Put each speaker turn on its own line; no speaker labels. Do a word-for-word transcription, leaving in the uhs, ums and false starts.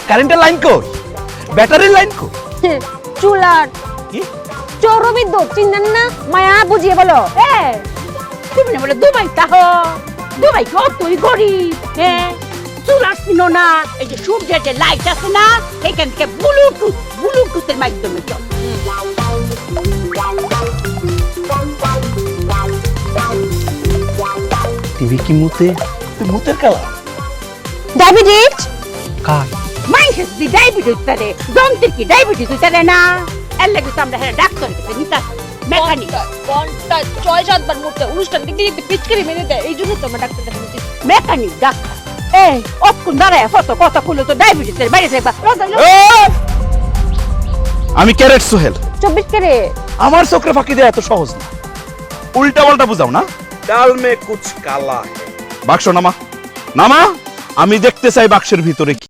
কারেন্টের লাইন কই? ব্যাটারির লাইন কই?
চুলার
কি?
চৌরবিদ্যুৎ চিনেন না? মায়া বুঝিয়ে বলো।
এ তুমি না বলে দুবাই তাহ দুবাই কতই গরিব হ্যাঁ চুলার চিনো না এই যে সূর্যের যে লাইট আছে না এখান থেকে ব্লুটুথ ব্লুটুথের মাধ্যমে চল
টিভি কি মুতে? তুই মুতের কালা
ডায়াবেটিস
কার?
মানুষের যদি ডায়াবেটিস তারে যন্ত্রের কি ডায়াবেটিস তারে না এর লাগে তো আমরা হ্যাঁ ডাক্তারের কাছে নিতে মেকানিক
ঘন্টা ছয় সাতবার মুখে অনুষ্ঠান দেখতে দেখতে পিচকারি মেরে দেয়, এই জন্য তো আমরা ডাক্তার দেখাচ্ছি।
মেকানিক ডাক্তার এই অক্ষণ দাঁড়ায় কত কথা খুলে তো ডায়াবেটিসের বাইরে থাকবা
আমি ক্যারেট সোহেল।
চব্বিশ কেরে
আমার চোখে ফাঁকি দেওয়া এত সহজ না, উল্টা পাল্টা বুঝাও না। ডাল মে কুছ কালা। বাক্স নামা নামা, আমি দেখতে চাই বাক্সের ভিতরে কি।